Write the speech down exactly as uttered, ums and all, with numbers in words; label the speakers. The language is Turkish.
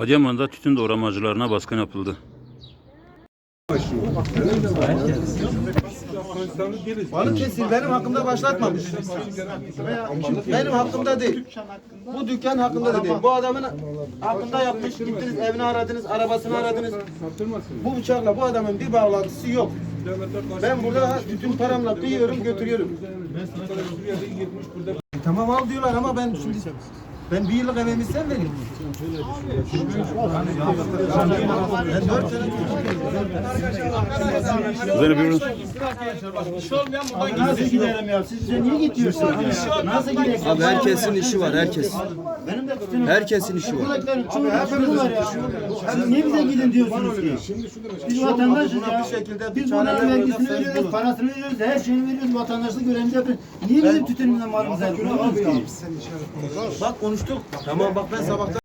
Speaker 1: Adıyaman'da tütün doğramacılarına baskın yapıldı.
Speaker 2: Balıkesir benim hakkımda başlatmamış. Benim hakkımda değil. Bu dükkan hakkında da değil. Bu adamın hakkında yapmış. Gittiniz, evini aradınız, arabasını aradınız. Bu bıçakla bu adamın bir bağlantısı yok. Ben burada bütün paramla kıyıyorum, götürüyorum. E, tamam al diyorlar ama ben şimdi ben bir yıllık emeğimi sen vereyim. Ben dört sene
Speaker 1: Üzerine bir
Speaker 3: Nasıl gidelim ya? Siz bize niye gidiyorsunuz? Nasıl gidelim?
Speaker 4: Abi herkesin işi var, herkes.
Speaker 3: Benim de bütün
Speaker 4: Herkesin işi var.
Speaker 3: buradakilerin çoğu hepimiz var ya. Siz niye bize gidin diyorsunuz ki? Biz vatandaşız ya. Biz bunların vergisini veriyoruz, parasını veriyoruz, her şeyini veriyoruz, vatandaşlık görevimizi yapıyoruz. Niye bizim tütünümüzden malımızı alıyoruz ki?
Speaker 2: bak konuştuk. Tamam bak ben sabahtan